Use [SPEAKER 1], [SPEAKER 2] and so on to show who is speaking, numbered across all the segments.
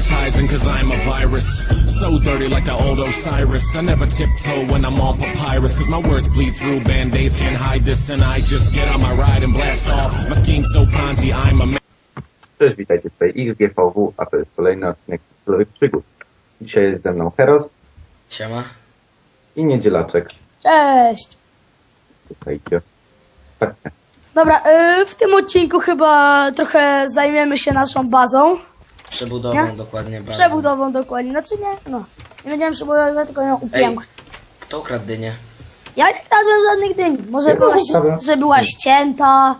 [SPEAKER 1] sanitizing cause I'm a virus. So dirty like the old Osiris. I never tiptoe when I'm on papyrus cause my words bleed through band-aids can't hide this and I just get on my ride and blast off. My scheme's so Ponzi, I'm a man.
[SPEAKER 2] Cześć, witajcie tutaj XGVW, a to jest kolejny odcinek Stylowych Przygód. Dzisiaj jest ze mną Heros
[SPEAKER 3] Siema.
[SPEAKER 2] i Niedzielaczek.
[SPEAKER 4] Cześć!
[SPEAKER 2] Słuchajcie. Tak.
[SPEAKER 4] Dobra, w tym odcinku chyba trochę zajmiemy się naszą bazą.
[SPEAKER 3] Przebudową
[SPEAKER 4] Nie?
[SPEAKER 3] dokładnie bazy.
[SPEAKER 4] Przebudową dokładnie, znaczy nie, no. Nie będziemy przebudowywać, tylko ją
[SPEAKER 3] Ej,
[SPEAKER 4] upiększyć.
[SPEAKER 3] kto ukradł dynię?
[SPEAKER 4] Ja nie kradłem żadnych dyni. Może
[SPEAKER 2] Ja
[SPEAKER 4] była,
[SPEAKER 2] zostawiam.
[SPEAKER 4] że była ścięta.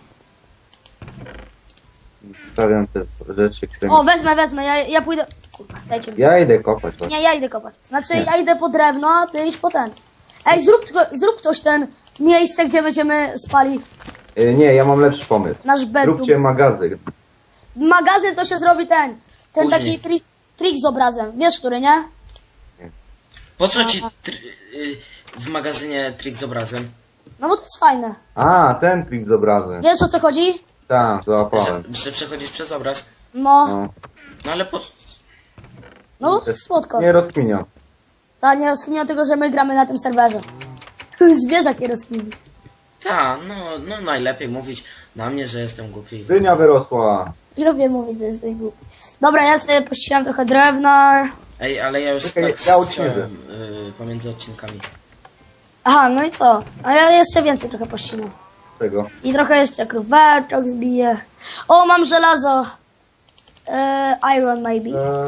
[SPEAKER 2] Stawiam te rzeczy, które...
[SPEAKER 4] O, wezmę, ja pójdę... Kurwa, dajcie mi.
[SPEAKER 2] Ja idę kopać.
[SPEAKER 4] Nie, ja idę kopać. Znaczy,
[SPEAKER 2] Nie.
[SPEAKER 4] ja idę po drewno, a ty idź po ten. Ej, zrób ktoś ten miejsce, gdzie będziemy spali
[SPEAKER 2] Nie, ja mam lepszy pomysł.
[SPEAKER 4] nasz bedroom.
[SPEAKER 2] Róbcie magazyn.
[SPEAKER 4] Magazyn to się zrobi ten
[SPEAKER 3] Później.
[SPEAKER 4] taki trik z obrazem. Wiesz, który, nie?
[SPEAKER 3] Po co ci w magazynie trik z obrazem?
[SPEAKER 4] No bo to jest fajne.
[SPEAKER 2] A, ten trik z obrazem.
[SPEAKER 4] Wiesz, o co chodzi?
[SPEAKER 2] Tak, załapałem.
[SPEAKER 3] Że przechodzisz przez obraz?
[SPEAKER 4] No,
[SPEAKER 2] No.
[SPEAKER 3] No ale po...
[SPEAKER 4] no, słodko.
[SPEAKER 2] Nie rozkminiam.
[SPEAKER 4] Ta, nie rozkminią tego, że my gramy na tym serwerze. Zwierzak nie rozkmini.
[SPEAKER 3] Ta, no najlepiej mówić na mnie, że jestem głupi.
[SPEAKER 2] Dynia wyrosła.
[SPEAKER 4] I lubię mówić, że jesteś głupi. Dobra, ja sobie pościeram trochę drewna.
[SPEAKER 3] Ej, ale ja już
[SPEAKER 2] Czekaj,
[SPEAKER 3] tak
[SPEAKER 2] ja uśmierzę.
[SPEAKER 3] chciałem pomiędzy odcinkami.
[SPEAKER 4] Aha, no i co? A ja jeszcze więcej trochę pościnam.
[SPEAKER 2] Czego?
[SPEAKER 4] I trochę jeszcze króweczek zbiję. O, mam żelazo. Iron maybe.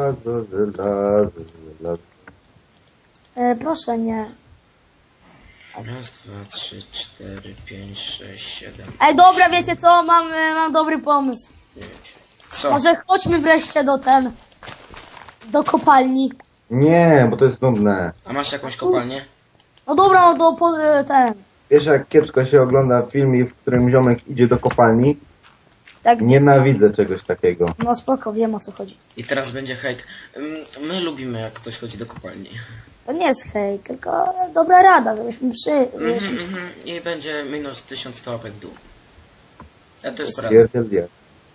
[SPEAKER 2] Żelazo.
[SPEAKER 4] Proszę, nie.
[SPEAKER 3] Raz, dwa, trzy, cztery, pięć, sześć, siedem.
[SPEAKER 4] Ej, dobra, wiecie co? Mam dobry pomysł.
[SPEAKER 3] Co?
[SPEAKER 4] Może chodźmy wreszcie do kopalni.
[SPEAKER 2] Nie, bo to jest nudne.
[SPEAKER 3] A masz jakąś kopalnię?
[SPEAKER 4] No dobra, no to ten.
[SPEAKER 2] Wiesz, jak kiepsko się ogląda film, w którym ziomek idzie do kopalni?
[SPEAKER 4] Tak,
[SPEAKER 2] Nienawidzę czegoś takiego.
[SPEAKER 4] no spoko, wiem o co chodzi.
[SPEAKER 3] I teraz będzie hejt. My lubimy, jak ktoś chodzi do kopalni.
[SPEAKER 4] To nie jest hejt, tylko dobra rada, żebyśmy
[SPEAKER 3] I będzie minus 1100 łapek w dół. A to jest prawda.
[SPEAKER 2] Stwierdzę.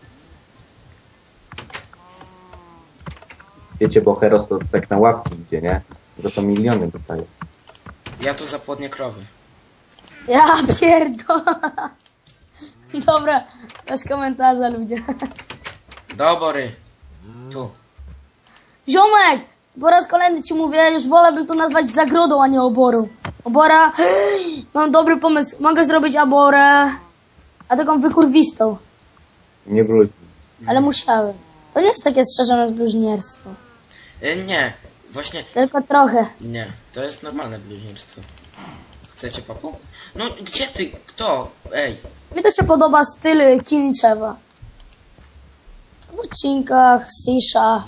[SPEAKER 2] Wiecie, bo Heros to tak na łapki idzie, nie? Za to miliony dostaje.
[SPEAKER 3] Ja tu zapłodnię krowy.
[SPEAKER 4] Ja pierdolę. Dobra, bez komentarza ludzie.
[SPEAKER 3] Dobory. Tu.
[SPEAKER 4] Ziomek! Po raz kolejny ci mówię, już wolałbym to nazwać zagrodą, a nie oborą. Obora... Mam dobry pomysł. Mogę zrobić aborę, a taką wykurwistą.
[SPEAKER 2] Nie wróci.
[SPEAKER 4] Ale musiałem. To nie jest takie strzeżone z bluźnierstwo.
[SPEAKER 3] Nie, właśnie
[SPEAKER 4] Tylko trochę.
[SPEAKER 3] nie. To jest normalne bluźnierstwo. Chcecie papu? No gdzie ty? Kto? Ej.
[SPEAKER 4] Mi to się podoba styl Kiniczewa. W odcinkach, Sisha,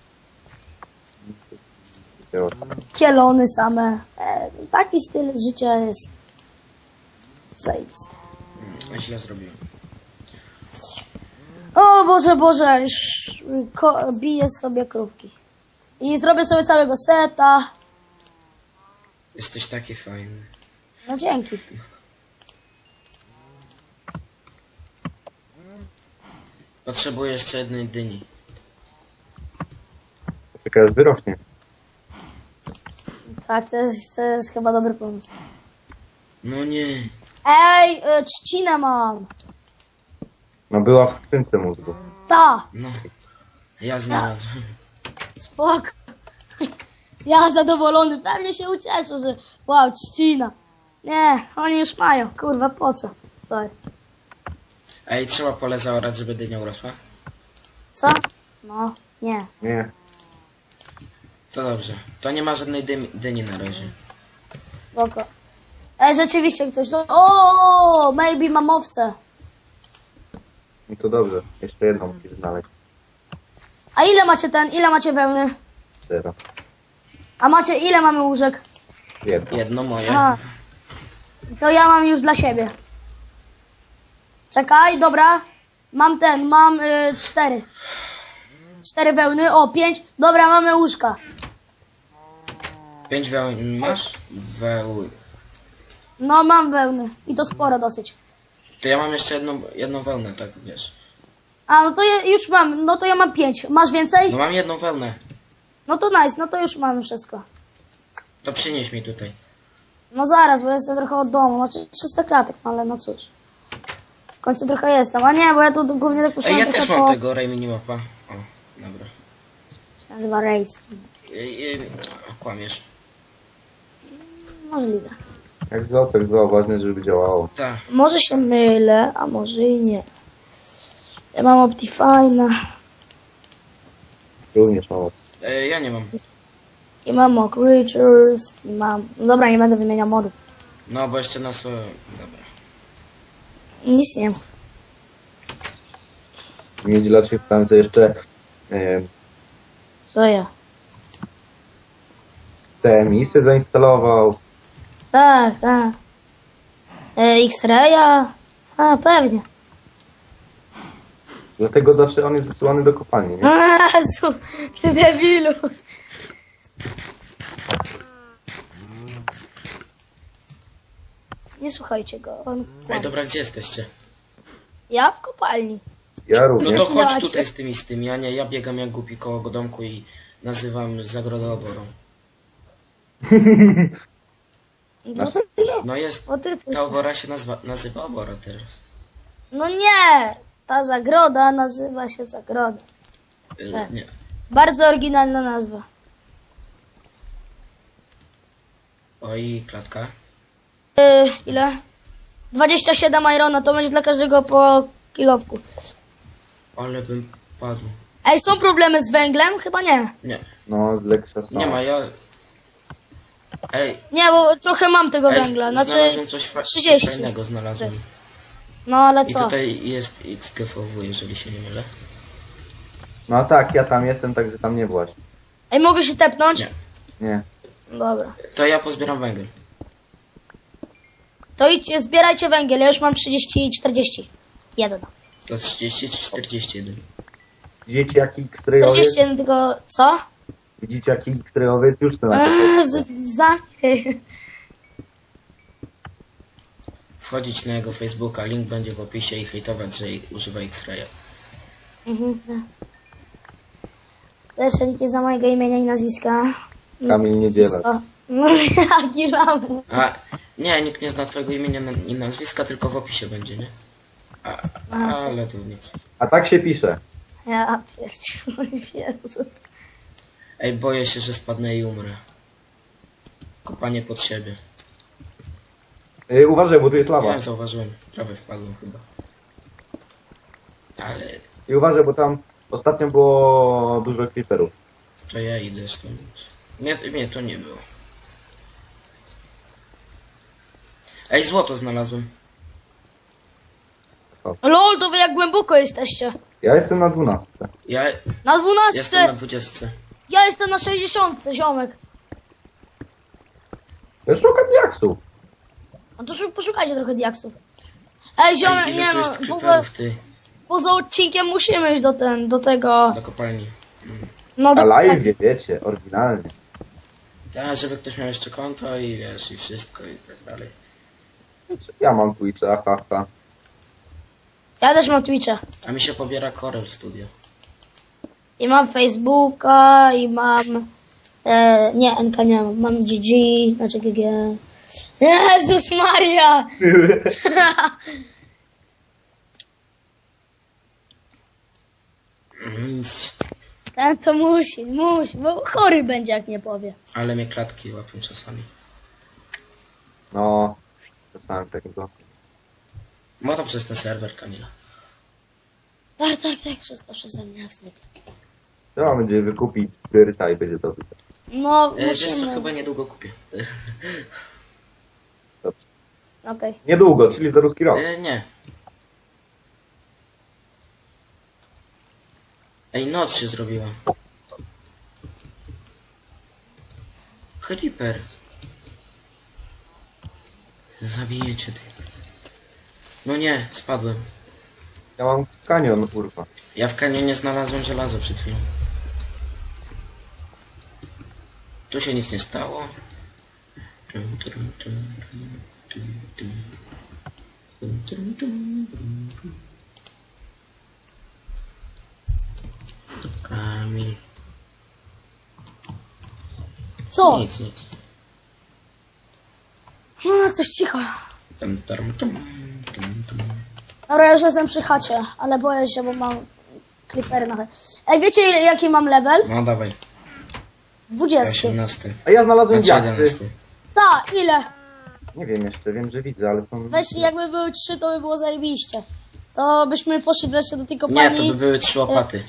[SPEAKER 4] kielony same. Taki styl życia jest zajebisty.
[SPEAKER 3] Źle zrobiłem.
[SPEAKER 4] O Boże, już biję sobie krówki. I zrobię sobie całego seta.
[SPEAKER 3] Jesteś taki fajny.
[SPEAKER 4] No dzięki.
[SPEAKER 3] Potrzebuję jeszcze jednej dyni.
[SPEAKER 2] Czekaj, aż wyrośnie.
[SPEAKER 4] Tak, to jest chyba dobry pomysł.
[SPEAKER 3] No nie.
[SPEAKER 4] Ej, trzcinę mam.
[SPEAKER 2] No była w skrzynce mózgu.
[SPEAKER 4] Ta,
[SPEAKER 3] No. Ja znalazłem.
[SPEAKER 4] spoko. Ja zadowolony, pewnie się ucieszę, że wow, trzcina. Nie, oni już mają, kurwa, po co? Sorry.
[SPEAKER 3] Ej, trzeba pole zaorać, żeby dynia urosła?
[SPEAKER 4] Co? No, nie.
[SPEAKER 2] Nie.
[SPEAKER 3] To dobrze. To nie ma żadnej dyni na razie.
[SPEAKER 4] Spoko. Ej, rzeczywiście ktoś do... O, maybe mam owce.
[SPEAKER 2] No to dobrze. Jeszcze jedną musisz znaleźć.
[SPEAKER 4] A ile macie wełny?
[SPEAKER 2] 0.
[SPEAKER 4] A macie, ile mamy łóżek?
[SPEAKER 2] Jedno.
[SPEAKER 3] Jedno moje.
[SPEAKER 4] Aha. To ja mam już dla siebie. Czekaj, dobra. Mam 4. 4 wełny, o 5. Dobra, mamy łóżka.
[SPEAKER 3] 5 wełn masz?
[SPEAKER 4] No, mam wełny. I to sporo dosyć.
[SPEAKER 3] To ja mam jeszcze jedną wełnę, tak wiesz.
[SPEAKER 4] A, no to ja już mam, no to ja mam 5. Masz więcej?
[SPEAKER 3] No mam jedną wełnę.
[SPEAKER 4] No to nice, no to już mamy wszystko.
[SPEAKER 3] To przynieś mi tutaj.
[SPEAKER 4] No zaraz, bo jestem trochę od domu, znaczy 300 klatek, no ale no cóż. W końcu trochę jestem, a nie, bo ja tu głównie tak
[SPEAKER 3] Ej,
[SPEAKER 4] poszedłem
[SPEAKER 3] ja
[SPEAKER 4] trochę
[SPEAKER 3] też mam tego Ray Minimapa. O, dobra.
[SPEAKER 4] Się nazywa Race.
[SPEAKER 3] Kłamiesz.
[SPEAKER 4] Możliwe.
[SPEAKER 2] Jak zło, tak zło, ważne, żeby działało.
[SPEAKER 3] Tak.
[SPEAKER 4] Może się mylę, a może i nie. Ja mam Optifine'a
[SPEAKER 2] Również mało.
[SPEAKER 3] Ja nie mam.
[SPEAKER 4] i mam Mock Creatures i mam... No dobra, nie będę wymieniał modów.
[SPEAKER 3] No, bo jeszcze na swoje... Dobra.
[SPEAKER 4] Nic nie mam.
[SPEAKER 2] Niedzielacznie tam sobie jeszcze
[SPEAKER 4] Co ja?
[SPEAKER 2] te misy zainstalował.
[SPEAKER 4] Tak, tak. X-Raya? A, pewnie.
[SPEAKER 2] Dlatego zawsze on jest wysyłany do kopalni, nie?
[SPEAKER 4] Jezu, ty debilu. Nie słuchajcie go, on
[SPEAKER 3] Ej,
[SPEAKER 4] kłamie.
[SPEAKER 3] dobra, gdzie jesteście?
[SPEAKER 4] Ja w kopalni.
[SPEAKER 2] Ja
[SPEAKER 3] No
[SPEAKER 2] również.
[SPEAKER 3] to chodź
[SPEAKER 4] Dacie.
[SPEAKER 3] tutaj z tymi, a nie, ja biegam jak głupi koło domku i nazywam zagrodę oborą.
[SPEAKER 4] No,
[SPEAKER 3] No jest,
[SPEAKER 4] o ty,
[SPEAKER 3] ta obora się nazywa obora teraz.
[SPEAKER 4] no nie, ta zagroda nazywa się zagroda. Tak.
[SPEAKER 3] Nie.
[SPEAKER 4] Bardzo oryginalna nazwa.
[SPEAKER 3] Oj, klatka.
[SPEAKER 4] Ile? 27 irona, to będzie dla każdego po kilowku.
[SPEAKER 3] Ale bym padł.
[SPEAKER 4] Ej, są problemy z węglem? Chyba nie.
[SPEAKER 3] Nie,
[SPEAKER 2] No, z Leksza są.
[SPEAKER 3] nie ma, ja... Ej,
[SPEAKER 4] Nie, bo trochę mam tego
[SPEAKER 3] ej
[SPEAKER 4] węgla, znaczy
[SPEAKER 3] znalazłem coś
[SPEAKER 4] 30.
[SPEAKER 3] fajnego znalazłem.
[SPEAKER 4] No ale
[SPEAKER 3] I
[SPEAKER 4] co?
[SPEAKER 3] tutaj jest XGVW, jeżeli się nie mylę.
[SPEAKER 2] No tak, ja tam jestem, także tam nie byłaś.
[SPEAKER 4] Ej, mogę się tepnąć?
[SPEAKER 3] Nie.
[SPEAKER 2] Nie.
[SPEAKER 4] Dobra.
[SPEAKER 3] To ja pozbieram węgiel.
[SPEAKER 4] To idźcie, zbierajcie węgiel, ja już mam 30 i 40. Jeden.
[SPEAKER 3] To 30 czy 41?
[SPEAKER 2] Widzicie jaki X-rayowiec?
[SPEAKER 4] 41 tylko, co?
[SPEAKER 2] Widzicie jaki X-rayowiec? Już to na
[SPEAKER 4] Zamknij.
[SPEAKER 3] Wchodzić na jego Facebooka, link będzie w opisie i hejtować, że używa X-Raya.
[SPEAKER 4] Jeszcze nikt nie zna mojego imienia i nazwiska.
[SPEAKER 2] Kamil Niedziela.
[SPEAKER 4] Nazwisko. No jaki lamus.
[SPEAKER 3] A, nie, nikt nie zna twojego imienia i nazwiska, tylko w opisie będzie, nie? Ale to nic.
[SPEAKER 2] A tak się pisze.
[SPEAKER 4] Ja pierdziu.
[SPEAKER 3] Ej, boję się, że spadnę i umrę. Kopanie pod siebie.
[SPEAKER 2] Uważaj, bo tu jest lawa.
[SPEAKER 3] Wiem, zauważyłem. Prawie wpadłem chyba. Ale
[SPEAKER 2] I uważaj, bo tam ostatnio było dużo creeperów.
[SPEAKER 3] to ja idę stąd. Mnie to nie było. Ej, złoto znalazłem.
[SPEAKER 4] Lol, to wy jak głęboko jesteście.
[SPEAKER 2] Ja jestem na 12.
[SPEAKER 3] Ja
[SPEAKER 4] Na 12.
[SPEAKER 3] jestem na 20.
[SPEAKER 4] Ja jestem na 60, ziomek.
[SPEAKER 2] Ja szukam diaksów.
[SPEAKER 4] No to poszukajcie trochę diaksów. Ej, ziomek,
[SPEAKER 3] Ej, ile
[SPEAKER 4] nie
[SPEAKER 3] tu
[SPEAKER 4] no,
[SPEAKER 3] jest
[SPEAKER 4] poza,
[SPEAKER 3] creeperów, ty?
[SPEAKER 4] poza odcinkiem musimy iść do tego.
[SPEAKER 3] Do kopalni.
[SPEAKER 4] No
[SPEAKER 2] Na
[SPEAKER 4] do
[SPEAKER 2] live, wiecie, oryginalnie.
[SPEAKER 3] Tak, żeby ktoś miał jeszcze konto i wiesz, i wszystko i tak dalej.
[SPEAKER 2] Ja mam Twitcha, haha.
[SPEAKER 4] Ja też mam Twitcha.
[SPEAKER 3] A mi się pobiera Corel Studio.
[SPEAKER 4] I mam Facebooka, i mam... nie, NK nie mam. Mam GG, znaczy GG. Jezus Maria! Ten to musi, bo chory będzie jak nie powie.
[SPEAKER 3] Ale mnie klatki łapią czasami.
[SPEAKER 2] No, czasami takiego.
[SPEAKER 3] Może przez ten serwer, Kamila.
[SPEAKER 4] Tak, wszystko przeze mnie jak zwykle.
[SPEAKER 2] Trzeba będzie wykupić dyrta i będzie dobrze.
[SPEAKER 4] No,
[SPEAKER 3] Wiesz co,
[SPEAKER 4] musimy.
[SPEAKER 3] chyba niedługo kupię.
[SPEAKER 2] Dobrze.
[SPEAKER 4] Okej.
[SPEAKER 2] Niedługo, czyli za ruski rok.
[SPEAKER 3] Nie. Ej, noc się zrobiła. Creeper. Zabijecie ty. No nie, spadłem.
[SPEAKER 2] Ja mam kanion, kurwa.
[SPEAKER 3] Ja w kanionie znalazłem żelazo przed chwilą. Tu się nic nie stało. Kamil.
[SPEAKER 4] Co?
[SPEAKER 3] Nic, nic.
[SPEAKER 4] No, coś cicho.
[SPEAKER 3] Tum.
[SPEAKER 4] Dobra, ja już jestem przy chacie, ale boję się, bo mam creepery na chacie. Ej, wiecie jaki mam level?
[SPEAKER 3] No dawaj.
[SPEAKER 4] 20.
[SPEAKER 3] 18.
[SPEAKER 2] A ja znalazłem
[SPEAKER 3] Znaczy
[SPEAKER 2] diaksy.
[SPEAKER 3] 11.
[SPEAKER 4] Tak, ile?
[SPEAKER 2] Nie wiem jeszcze, wiem, że widzę, ale są...
[SPEAKER 4] Weź, jakby były 3, to by było zajebiście. To byśmy poszli wreszcie do tej
[SPEAKER 3] Nie,
[SPEAKER 4] kopalni.
[SPEAKER 3] to by były 3 łopaty.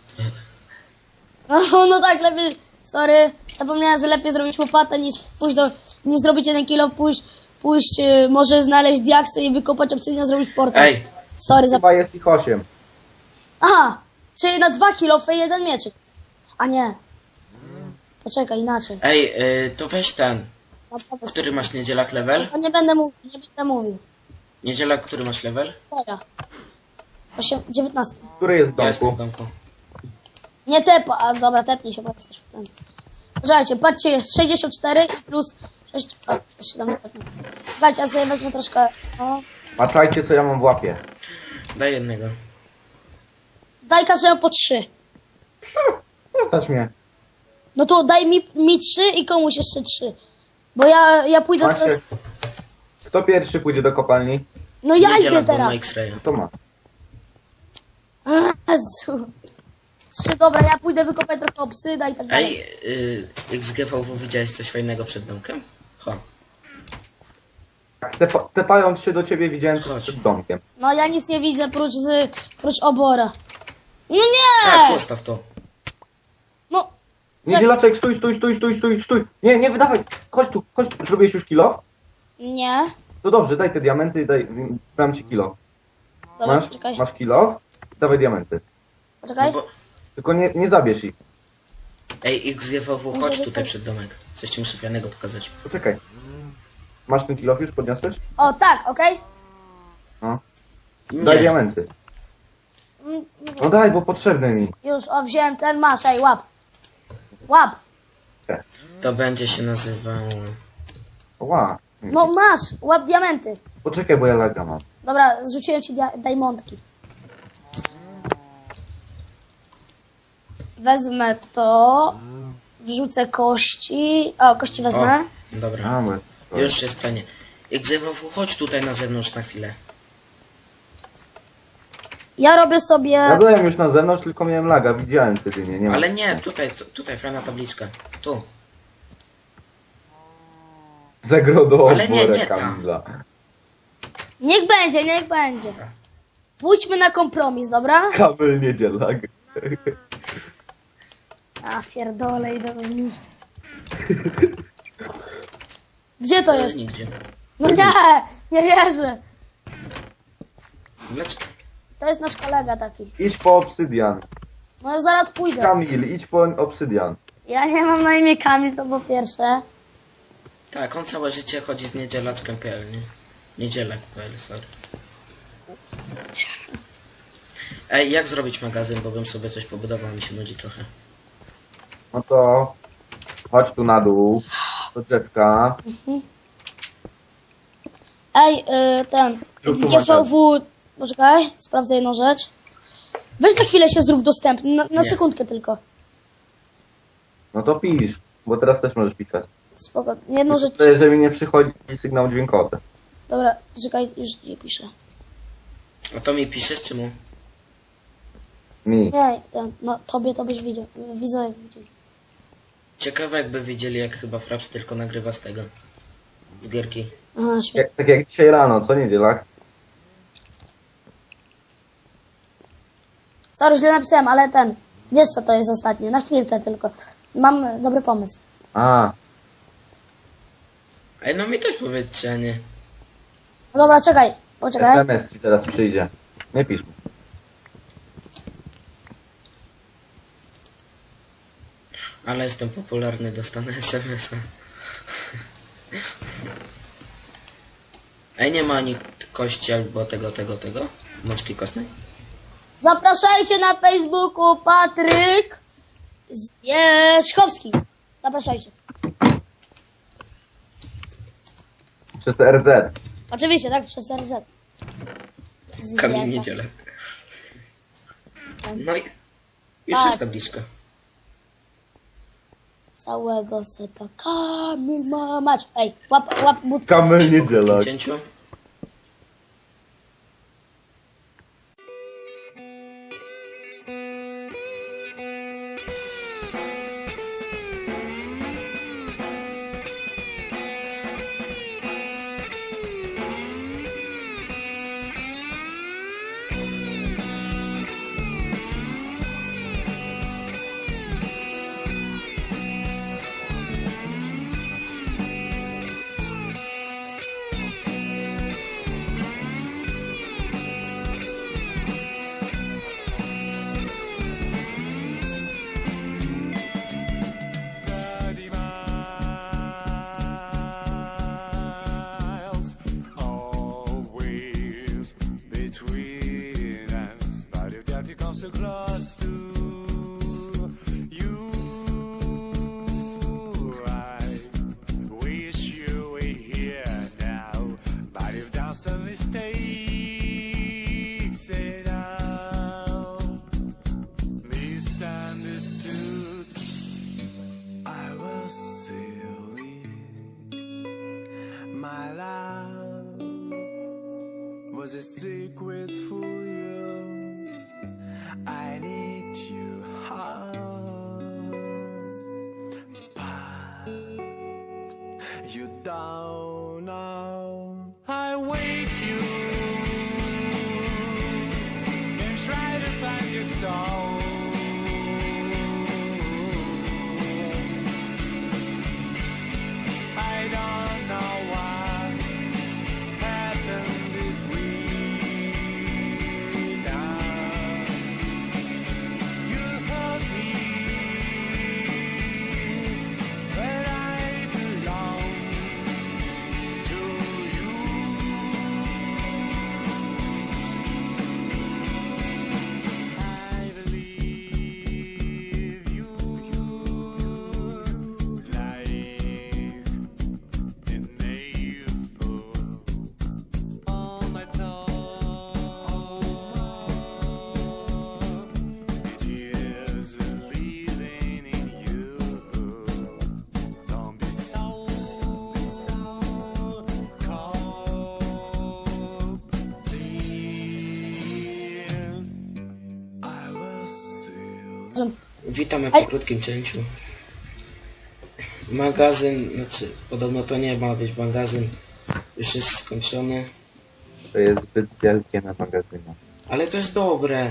[SPEAKER 4] No tak, lepiej, sorry. Zapomniałem, że lepiej zrobić łopatę niż pójść nie zrobić 1 kilo, pójść może znaleźć diaksy i wykopać obsydian, zrobić portal.
[SPEAKER 3] Ej,
[SPEAKER 4] Sorry,
[SPEAKER 2] Chyba jest ich 8.
[SPEAKER 4] Aha, czyli na 2 kilo i 1 mieczyk. A nie. Poczekaj, inaczej.
[SPEAKER 3] to weź ten.
[SPEAKER 4] Mam pomysł.
[SPEAKER 3] Który masz niedzielak level?
[SPEAKER 4] To nie będę mówił.
[SPEAKER 3] Niedzielak, który masz level?
[SPEAKER 4] Twoja. 19.
[SPEAKER 2] Który jest w
[SPEAKER 3] Ja jestem w
[SPEAKER 2] domku?
[SPEAKER 3] domku.
[SPEAKER 4] Nie tepa, a dobra, tepnij się, bo jesteś w ten. Poczekajcie, patrzcie, 64 i plus 6. O, to się do mnie tepnął. Słuchajcie, ja sobie wezmę troszkę. O.
[SPEAKER 2] Patrzajcie, co ja mam w łapie.
[SPEAKER 3] Daj jednego.
[SPEAKER 4] Daj każdemu po 3.
[SPEAKER 2] Zostać mnie.
[SPEAKER 4] No to daj mi 3 i komuś jeszcze 3. Bo ja pójdę
[SPEAKER 2] Macie.
[SPEAKER 4] zaraz.
[SPEAKER 2] Kto pierwszy pójdzie do kopalni?
[SPEAKER 4] No ja idę
[SPEAKER 3] Niedzielak był na
[SPEAKER 4] teraz.
[SPEAKER 3] X-raya.
[SPEAKER 2] To ma.
[SPEAKER 4] Jezu. 3, dobra, ja pójdę wykopać trochę obsyda i tak dalej.
[SPEAKER 3] Ej, XGVW widziałeś coś fajnego przed domkiem? Ho.
[SPEAKER 2] Tepając się do ciebie widziałem coś
[SPEAKER 3] Chodź.
[SPEAKER 2] przed domkiem.
[SPEAKER 4] No ja nic nie widzę prócz obora. No nie!
[SPEAKER 3] Tak, zostaw to.
[SPEAKER 4] No,
[SPEAKER 2] Niedzielaczek, stój. Nie wydawaj. Chodź tu. Zrobiłeś już kilo?
[SPEAKER 4] nie.
[SPEAKER 2] No dobrze, daj te diamenty, dam ci kilo.
[SPEAKER 4] Dobra,
[SPEAKER 2] Masz?
[SPEAKER 4] poczekaj.
[SPEAKER 2] Masz kilo? Dawaj diamenty.
[SPEAKER 4] Poczekaj.
[SPEAKER 3] No bo...
[SPEAKER 2] Tylko nie zabierz ich.
[SPEAKER 3] Ej, XGVW, chodź
[SPEAKER 4] Może
[SPEAKER 3] tutaj
[SPEAKER 4] tak.
[SPEAKER 3] przed domek. Coś ci muszę fajnego pokazać.
[SPEAKER 2] Poczekaj. Masz ten kilo już? Podniosłeś?
[SPEAKER 4] O, tak, okej.
[SPEAKER 2] No. Daj
[SPEAKER 3] Nie.
[SPEAKER 2] diamenty.
[SPEAKER 4] Mm,
[SPEAKER 2] No daj, bo potrzebne mi.
[SPEAKER 4] Już, o, wziąłem ten, masz, ej, łap. Łap.
[SPEAKER 3] To będzie się nazywało...
[SPEAKER 2] Ła.
[SPEAKER 4] No masz, łap diamenty.
[SPEAKER 2] Poczekaj, bo ja laga mam.
[SPEAKER 4] Dobra, rzuciłem ci diamondki. Wezmę to. Wrzucę kości. O, kości wezmę.
[SPEAKER 3] O, dobra.
[SPEAKER 2] A, my.
[SPEAKER 3] Już jest fajnie. XGVW, chodź tutaj na zewnątrz na chwilę.
[SPEAKER 4] Ja robię sobie...
[SPEAKER 2] Ja byłem już na zewnątrz, tylko miałem laga. Widziałem wtedy, nie ma.
[SPEAKER 3] Ale nie, tutaj fajna tabliczka. Tu.
[SPEAKER 2] Zagrodo
[SPEAKER 3] Ale nie,
[SPEAKER 2] oborę
[SPEAKER 3] nie tam.
[SPEAKER 2] Kamila.
[SPEAKER 4] Niech będzie. Pójdźmy na kompromis, dobra?
[SPEAKER 2] Kamil niedzielak.
[SPEAKER 4] A, pierdolę, idę to zniszczyć. Gdzie to jest?
[SPEAKER 3] Nigdzie.
[SPEAKER 4] No nie wierzę.
[SPEAKER 3] Dlaczego?
[SPEAKER 4] To jest nasz kolega taki.
[SPEAKER 2] Idź po obsydian.
[SPEAKER 4] No zaraz pójdę.
[SPEAKER 2] Kamil, idź po obsydian.
[SPEAKER 4] Ja nie mam na imię Kamil, to po pierwsze.
[SPEAKER 3] Tak, on całe życie chodzi z niedzielaczkiem.pl, nie? Niedzielak.pl, sorry. Ej, jak zrobić magazyn, bo bym sobie coś pobudował, mi się nudzi trochę.
[SPEAKER 2] No to chodź tu na dół. Do drzewka.
[SPEAKER 4] Ej, ten.
[SPEAKER 2] Zrób tu
[SPEAKER 4] XGVW. Poczekaj, sprawdzę jedną rzecz. Weź na chwilę się zrób dostępny, na
[SPEAKER 3] Nie.
[SPEAKER 4] sekundkę tylko.
[SPEAKER 2] No to pisz, bo teraz też możesz pisać.
[SPEAKER 4] Spoko. Jedną rzecz.
[SPEAKER 2] To jeżeli nie przychodzi sygnał dźwiękowy.
[SPEAKER 4] Dobra, czekaj, już nie piszę.
[SPEAKER 3] A to mi piszesz, czy mu?
[SPEAKER 2] Mi.
[SPEAKER 4] Nie, ten, no tobie to byś widział. Widzę.
[SPEAKER 3] Ciekawe jakby wiedzieli, jak chyba Fraps tylko nagrywa z tego. Z gierki.
[SPEAKER 4] Aha, świetnie.
[SPEAKER 2] Tak jak dzisiaj rano, co niedzielak?
[SPEAKER 4] Sorry, źle napisałem, ale ten. Wiesz co to jest ostatnie, na chwilkę tylko. Mam dobry pomysł.
[SPEAKER 2] A,
[SPEAKER 3] Ej, no mi też powiedzcie, a nie.
[SPEAKER 4] No dobra, czekaj, poczekaj.
[SPEAKER 2] SMS ci zaraz przyjdzie. Nie pisz mi.
[SPEAKER 3] Ale jestem popularny, dostanę SMS-a. Ej, nie ma ani kości albo tego. Mączki kostnej?
[SPEAKER 4] Zapraszajcie na Facebooku Patryk Zwierzchowski. Zapraszajcie.
[SPEAKER 2] Przez RZ.
[SPEAKER 4] Oczywiście, tak, przez RZ.
[SPEAKER 3] Kamil Niedzielak. No i... Już
[SPEAKER 4] Tak.
[SPEAKER 3] jest tabliczka.
[SPEAKER 4] Całego seta Kamil ma mać. Ej, łap budkę.
[SPEAKER 2] Kamel niedziela.
[SPEAKER 3] W cięciu.
[SPEAKER 5] Always between us, but if that you come so close to you, I wish you were here now, but you've done some mistakes and now misunderstood. I was silly. My love was a secret for you. I need you hard, but you don't know. I wait you and try to find your soul. I don't know what happened between us. You hurt me, but I belong to you. I believe you. Life all my thoughts is living in you. Don't be so cold, please. I was still.
[SPEAKER 3] Witamy po krótkim cięciu. Magazyn, znaczy podobno to nie ma być magazyn. Już jest skończony.
[SPEAKER 2] To jest zbyt wielkie na magazynie.
[SPEAKER 3] Ale to jest dobre.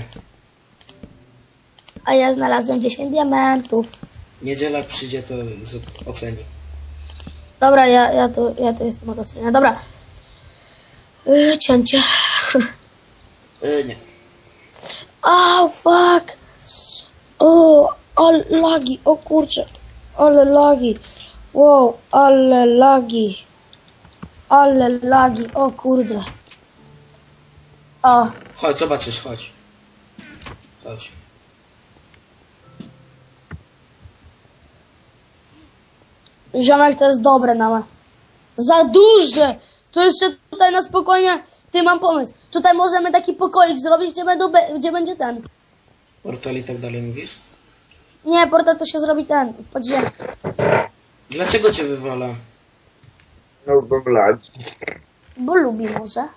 [SPEAKER 4] A ja znalazłem 10 diamentów.
[SPEAKER 3] Niedziela przyjdzie, to oceni.
[SPEAKER 4] Dobra, ja tu jestem od ocenia. Dobra. Cięcie.
[SPEAKER 3] Nie.
[SPEAKER 4] Oh, fuck. O, ale lagi. O kurczę. Ale lagi. Wow, ale lagi. Ale lagi. O kurde. O,
[SPEAKER 3] Chodź, zobaczysz, chodź. Chodź.
[SPEAKER 4] ziomek, to jest dobre na za duże. Tu jeszcze tutaj na spokojnie. Ty, mam pomysł. Tutaj możemy taki pokoik zrobić, gdzie będzie ten.
[SPEAKER 3] Portal i tak dalej mówisz?
[SPEAKER 4] Nie, portal to się zrobi ten, w podziemiu.
[SPEAKER 3] Dlaczego cię wywala?
[SPEAKER 2] No bo blać.
[SPEAKER 4] Bo lubi może.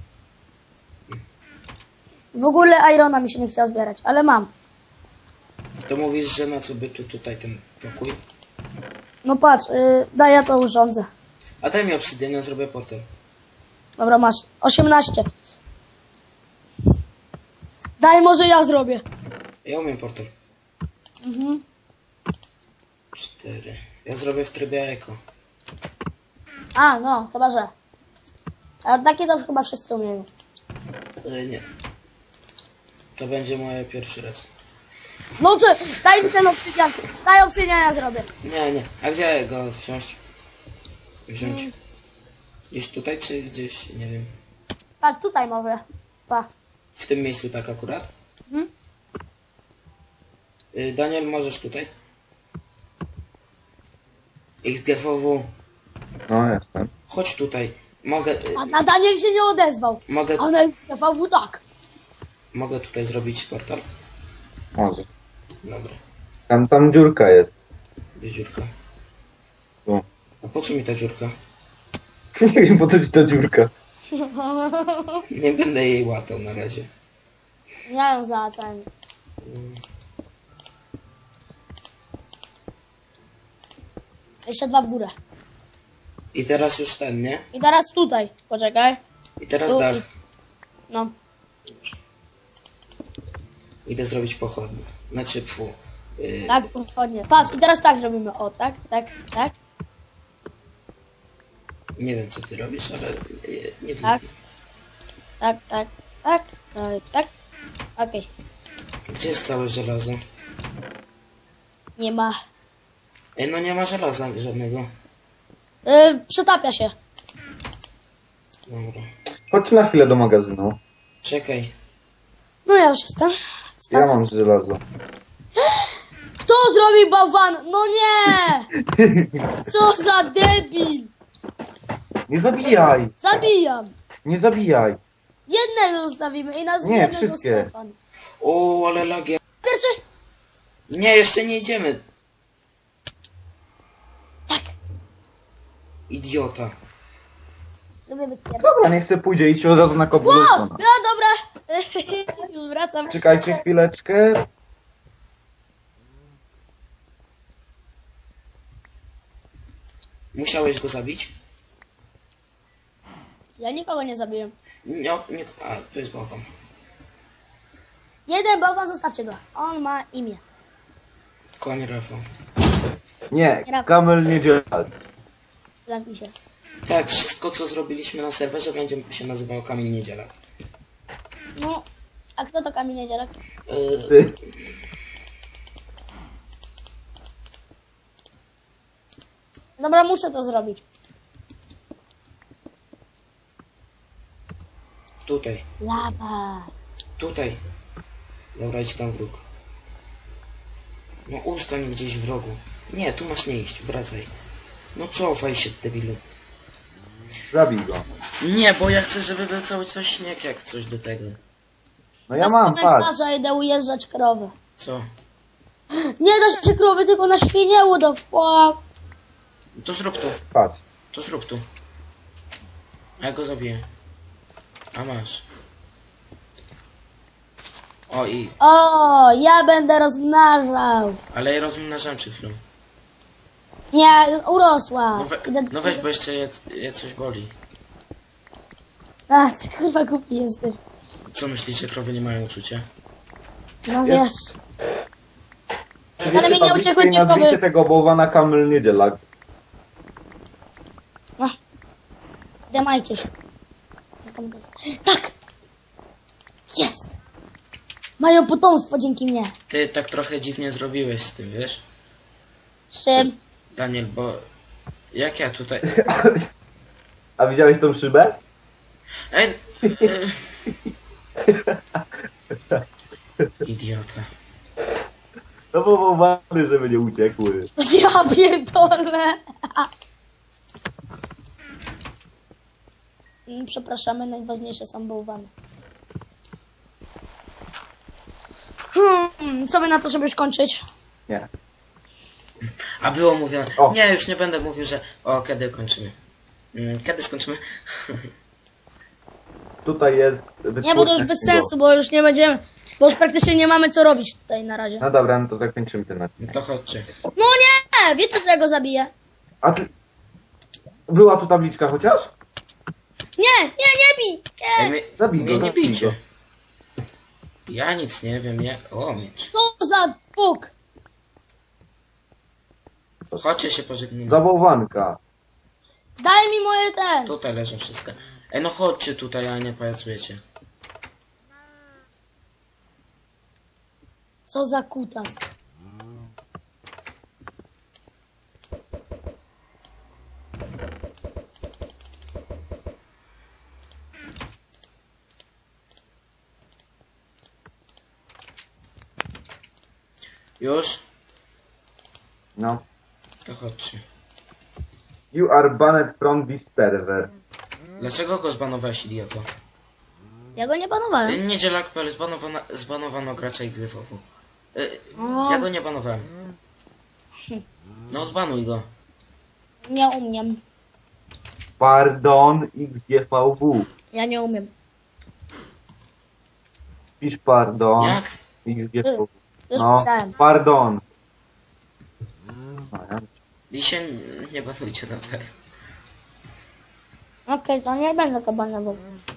[SPEAKER 4] W ogóle Irona mi się nie chciała zbierać, ale mam.
[SPEAKER 3] To mówisz, że na co by tutaj ten pokój?
[SPEAKER 4] No patrz, daj, ja to urządzę.
[SPEAKER 3] A daj mi obsydianę, zrobię portal.
[SPEAKER 4] Dobra, masz. 18. Daj, może ja zrobię.
[SPEAKER 3] Ja umiem portal. 4. Ja zrobię w trybie eko.
[SPEAKER 4] A, no, chyba że. Ale takie to chyba wszyscy umieją.
[SPEAKER 3] Nie. To będzie moje pierwszy raz.
[SPEAKER 4] No ty, daj mi ten obsydian. Daj obsydian, ja zrobię.
[SPEAKER 3] Nie. A gdzie go wziąć? Gdzieś tutaj, czy gdzieś, nie wiem.
[SPEAKER 4] Patrz, tutaj może. Pa.
[SPEAKER 3] W tym miejscu tak akurat?
[SPEAKER 4] Mhm.
[SPEAKER 3] Daniel, możesz tutaj? XGVW,
[SPEAKER 2] No, jestem.
[SPEAKER 3] chodź tutaj. Mogę,
[SPEAKER 4] A Daniel się nie odezwał.
[SPEAKER 3] mogę,
[SPEAKER 4] A na FV tak.
[SPEAKER 3] mogę tutaj zrobić portal?
[SPEAKER 2] Może.
[SPEAKER 3] Dobra,
[SPEAKER 2] Tam dziurka jest.
[SPEAKER 3] gdzie dziurka?
[SPEAKER 2] Tu.
[SPEAKER 3] A po co mi ta dziurka?
[SPEAKER 2] Nie wiem po co ci ta dziurka.
[SPEAKER 3] Nie będę jej łatał na razie.
[SPEAKER 4] Ja ją za ten. Jeszcze 2 w górę.
[SPEAKER 3] I teraz już ten, nie?
[SPEAKER 4] I teraz tutaj. Poczekaj.
[SPEAKER 3] I teraz
[SPEAKER 4] Tu
[SPEAKER 3] dach.
[SPEAKER 4] i- No.
[SPEAKER 3] Idę zrobić pochodnie. Znaczy, pfu.
[SPEAKER 4] Tak, ładnie. Patrz, i teraz tak zrobimy. O, tak, tak, tak.
[SPEAKER 3] Nie wiem, co ty robisz, ale nie wiem.
[SPEAKER 4] Tak. Tak, tak, tak, tak, tak. Okej.
[SPEAKER 3] Gdzie jest całe żelazo?
[SPEAKER 4] Nie ma.
[SPEAKER 3] Ej, no nie ma żelaza żadnego.
[SPEAKER 4] Przetapia się.
[SPEAKER 3] Dobra.
[SPEAKER 2] Chodź na chwilę do magazynu.
[SPEAKER 3] Czekaj.
[SPEAKER 4] No ja już jestem.
[SPEAKER 2] Ja mam żelazo.
[SPEAKER 4] Kto zrobił bałwan? No nie! Co za debil!
[SPEAKER 2] Nie zabijaj!
[SPEAKER 4] Zabijam!
[SPEAKER 2] Nie zabijaj!
[SPEAKER 4] Jednego zostawimy i nazwiemy
[SPEAKER 2] Nie,
[SPEAKER 4] go
[SPEAKER 2] wszystkie.
[SPEAKER 4] Stefan.
[SPEAKER 3] O, ale lagie.
[SPEAKER 4] Pierwszy?
[SPEAKER 3] Nie, jeszcze nie idziemy.
[SPEAKER 4] Tak.
[SPEAKER 3] Idiota.
[SPEAKER 4] Lubię być pierwszy.
[SPEAKER 2] Dobra, niech se pójdzie i się od razu na
[SPEAKER 4] Wow!
[SPEAKER 2] cobblestone.
[SPEAKER 4] No dobra. Już wracam.
[SPEAKER 2] Czekajcie chwileczkę.
[SPEAKER 3] Musiałeś go zabić?
[SPEAKER 4] Ja nikogo nie zabiłem.
[SPEAKER 3] Nie, nie. A, to jest bałwan.
[SPEAKER 4] Jeden bałwan, zostawcie go. On ma imię.
[SPEAKER 3] Koń Rafał.
[SPEAKER 2] Nie, Kamel nie działa.
[SPEAKER 4] Zamknij się.
[SPEAKER 3] Tak, wszystko co zrobiliśmy na serwerze będzie się nazywało Kamil Niedziela.
[SPEAKER 4] No, a kto to Kamil Niedzielak?
[SPEAKER 2] Ty.
[SPEAKER 4] Dobra, muszę to zrobić.
[SPEAKER 3] Tutaj,
[SPEAKER 4] Lawa.
[SPEAKER 3] tutaj. Dobra, idź tam wróg. No ustań gdzieś w rogu. Nie, tu masz nie iść, wracaj. No cofaj się, debilu.
[SPEAKER 2] Zabij go.
[SPEAKER 3] Nie, bo ja chcę, żeby był cały czas śnieg jak coś do tego.
[SPEAKER 2] No ja mam, patrz.
[SPEAKER 4] komentarza idę ujeżdżać krowy.
[SPEAKER 3] Co?
[SPEAKER 4] Nie da się krowy, tylko na świnie, what the fuck.
[SPEAKER 3] To zrób tu,
[SPEAKER 2] Patrz.
[SPEAKER 3] to zrób tu. A ja go zabiję. A masz. O i...
[SPEAKER 4] O, ja będę rozmnażał.
[SPEAKER 3] Ale ja rozmnażam przed chwilą.
[SPEAKER 4] Nie, urosła.
[SPEAKER 3] No,
[SPEAKER 4] Idę...
[SPEAKER 3] no weź, bo jeszcze je coś boli.
[SPEAKER 4] A, ty kurwa głupi jesteś.
[SPEAKER 3] Co myślisz, że krowy nie mają uczucia?
[SPEAKER 4] No wiesz.
[SPEAKER 2] Przywieźcie
[SPEAKER 4] mi nie
[SPEAKER 2] tabliczkę
[SPEAKER 4] uciekły
[SPEAKER 2] i
[SPEAKER 4] dwie
[SPEAKER 2] nazwijcie
[SPEAKER 4] krowy.
[SPEAKER 2] tego bałwana Kamel Niedzielak.
[SPEAKER 4] Demajcie się. Tak! Jest! Mają potomstwo dzięki mnie.
[SPEAKER 3] Ty tak trochę dziwnie zrobiłeś z tym, wiesz?
[SPEAKER 4] Z czym?
[SPEAKER 3] Daniel, bo... Jak ja tutaj...
[SPEAKER 2] A widziałeś tą szybę?
[SPEAKER 3] Ej! Idiota.
[SPEAKER 2] No bo bałwany, żeby nie uciekły.
[SPEAKER 4] Ja pierdolę. Przepraszamy, najważniejsze są bałwany. Co by na to, żeby już kończyć?
[SPEAKER 2] Nie.
[SPEAKER 3] A było mówione...
[SPEAKER 2] O.
[SPEAKER 3] Nie, już nie będę mówił, że... O, kiedy kończymy? Kiedy skończymy?
[SPEAKER 2] Tutaj jest...
[SPEAKER 4] Nie, bo to już bez sensu, bo już nie będziemy... Bo już praktycznie nie mamy co robić tutaj na razie.
[SPEAKER 2] No dobra, no to zakończymy ten odcinek.
[SPEAKER 3] No to chodźcie.
[SPEAKER 4] No nie! Wiecie, że ja go zabiję?
[SPEAKER 2] A ty... Była tu tabliczka chociaż?
[SPEAKER 4] Nie bij!
[SPEAKER 3] Ej,
[SPEAKER 4] Nie!
[SPEAKER 2] Zabij
[SPEAKER 3] mnie
[SPEAKER 2] go,
[SPEAKER 3] nie
[SPEAKER 2] zabij
[SPEAKER 3] bijcie.
[SPEAKER 2] go.
[SPEAKER 3] Ja nic nie wiem, jak... O, miecz.
[SPEAKER 4] Co za Bóg!
[SPEAKER 3] Chodźcie się pożegnamy.
[SPEAKER 2] Za bałwanka.
[SPEAKER 4] Daj mi moje ten!
[SPEAKER 3] Tutaj leżą wszystkie. Ej, no chodźcie tutaj, a nie pajacujecie.
[SPEAKER 4] Co za kutas.
[SPEAKER 3] Już?
[SPEAKER 2] No.
[SPEAKER 3] To chodźcie.
[SPEAKER 2] You are banned from this server.
[SPEAKER 3] Dlaczego go zbanowałeś, idioto?
[SPEAKER 4] Ja go nie banowałem.
[SPEAKER 3] Niedzielak.pl zbanowano gracza XDFOW. Ja go nie banowałem. No odbanuj go.
[SPEAKER 4] Nie umiem.
[SPEAKER 2] Pardon XGVW.
[SPEAKER 4] Ja nie umiem.
[SPEAKER 2] Pisz pardon
[SPEAKER 3] Jak?
[SPEAKER 2] XGVW.
[SPEAKER 4] Już
[SPEAKER 2] No,
[SPEAKER 4] pisałem.
[SPEAKER 2] pardon. No, ja-
[SPEAKER 3] I się nie banujcie nawzajem.
[SPEAKER 4] Okej, to nie będę to banował.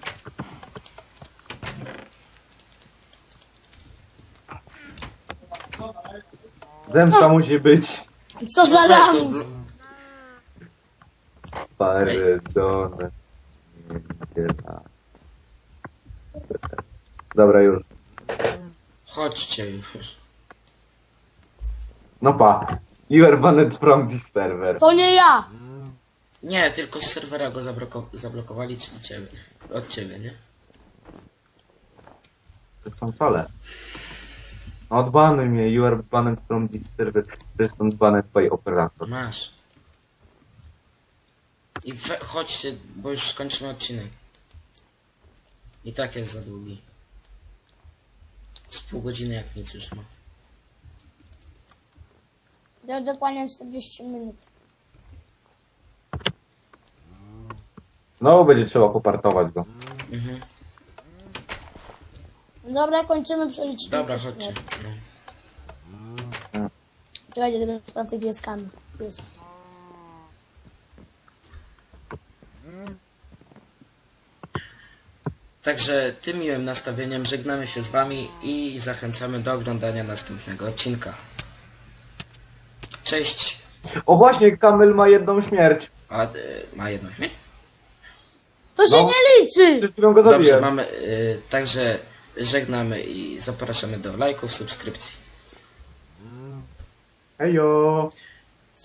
[SPEAKER 2] Zemsta musi być.
[SPEAKER 4] Co za
[SPEAKER 3] Weź go,
[SPEAKER 4] lamus?
[SPEAKER 2] Pardon. Niedziela. Dobra, już.
[SPEAKER 3] Chodźcie już.
[SPEAKER 2] No pa. You are banned from this server.
[SPEAKER 4] To nie ja.
[SPEAKER 3] Nie, tylko z serwera go zablokowali, czyli ciebie. Od ciebie, nie?
[SPEAKER 2] To jest konsolę. Odbanuj mnie. You are banned from this server. To jest banned by operator.
[SPEAKER 3] Masz. I chodźcie, bo już skończymy odcinek. I tak jest za długi. Z pół godziny jak nic już ma.
[SPEAKER 4] To dokładnie 40 minut.
[SPEAKER 2] Znowu będzie trzeba popartować go.
[SPEAKER 3] Mhm.
[SPEAKER 4] Dobra, kończymy przelicznik.
[SPEAKER 3] Dobra, chodźcie. No.
[SPEAKER 4] Czekajcie, tylko sprawdzę, gdzie jest Kamil. Tu jest.
[SPEAKER 3] Także tym miłym nastawieniem żegnamy się z wami i zachęcamy do oglądania następnego odcinka. Cześć.
[SPEAKER 2] O właśnie, Kamil ma jedną śmierć.
[SPEAKER 3] A ma jedną śmierć?
[SPEAKER 4] To się
[SPEAKER 2] No.
[SPEAKER 4] nie liczy!
[SPEAKER 2] Przed chwilą go
[SPEAKER 3] Dobrze,
[SPEAKER 2] zabiłem.
[SPEAKER 3] mamy. Także żegnamy i zapraszamy do lajków, subskrypcji.
[SPEAKER 2] Hejo.